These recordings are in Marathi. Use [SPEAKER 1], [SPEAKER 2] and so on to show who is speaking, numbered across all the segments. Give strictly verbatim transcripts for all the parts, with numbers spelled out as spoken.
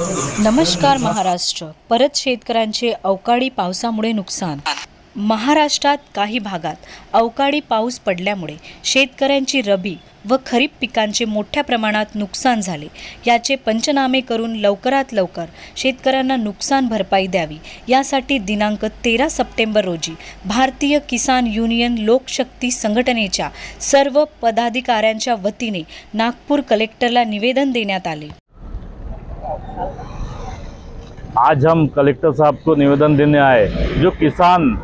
[SPEAKER 1] नमस्कार महाराष्ट्र. परत शेतकऱ्यांचे अवकाळी पावसामुळे नुकसान. महाराष्ट्रात काही भागात अवकाळी पाऊस पडल्यामुळे शेतकऱ्यांची रबी व खरीप पिकांचे मोठ्या प्रमाणात नुकसान झाले. याचे पंचनामे करून लवकरात लवकर शेतकऱ्यांना नुकसान भरपाई द्यावी यासाठी दिनांक तेरा सप्टेंबर रोजी भारतीय किसान युनियन लोकशक्ती संघटनेच्या सर्व पदाधिकाऱ्यांच्या वतीने नागपूर कलेक्टरला निवेदन देण्यात आले.
[SPEAKER 2] आज हम कलेक्टर साहब को निवेदन देने आए जो किसान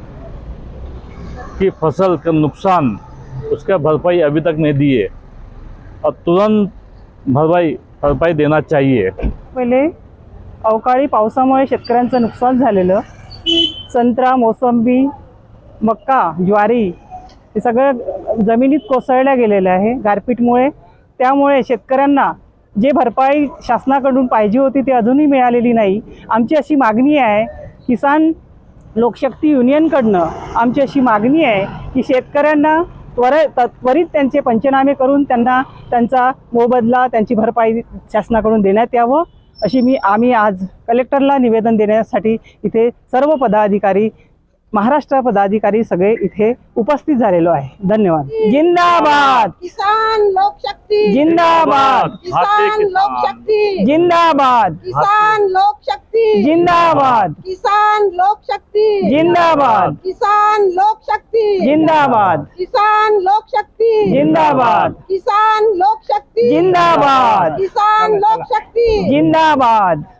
[SPEAKER 2] की फसल का नुकसान उसका भरपाई अभी तक नहीं दिए और तुरंत भरपाई भरपाई देना चाहिए.
[SPEAKER 3] पहिले अवकाळी पावसामुळे शेतकऱ्यांचं नुकसान झालेलं, संत्रा, मोसंबी, मक्का, ज्वारी हे सगळं जमिनीत कोसळल्या गेलेलं आहे गारपीटमुळे. त्यामुळे शेतकऱ्यांना जे भरपाई शासनाकडून पाहिजे होती ती अजूनही मिळालेली नाही. आमची अशी मागणी आहे, किसान लोकशक्ती युनियनकडनं आमची अशी मागणी आहे की शेतकऱ्यांना त्वरित त्वरित त्यांचे पंचनामे करून त्यांना त्यांचा मोबदला, त्यांची भरपाई शासनाकडून देण्यात यावं अशी मी आम्ही आज कलेक्टरला निवेदन देण्यासाठी इथे सर्व पदाधिकारी, महाराष्ट्र पदाधिकारी सगळे इथे उपस्थित झालेलो आहे. धन्यवाद. जिंदाबाद
[SPEAKER 4] किसान लोकशक्ती,
[SPEAKER 3] जिंदाबाद
[SPEAKER 4] किसान लोकशक्ती,
[SPEAKER 3] जिंदाबाद
[SPEAKER 4] किसान लोकशक्ती,
[SPEAKER 3] जिंदाबाद
[SPEAKER 4] किसान लोकशक्ती,
[SPEAKER 3] जिंदाबाद
[SPEAKER 4] किसान लोकशक्ती,
[SPEAKER 3] जिंदाबाद
[SPEAKER 4] किसान लोकशक्ती,
[SPEAKER 3] जिंदाबाद
[SPEAKER 4] किसान लोकशक्ती,
[SPEAKER 3] जिंदाबाद
[SPEAKER 4] किसान लोकशक्ती.
[SPEAKER 3] जिंदाबाद.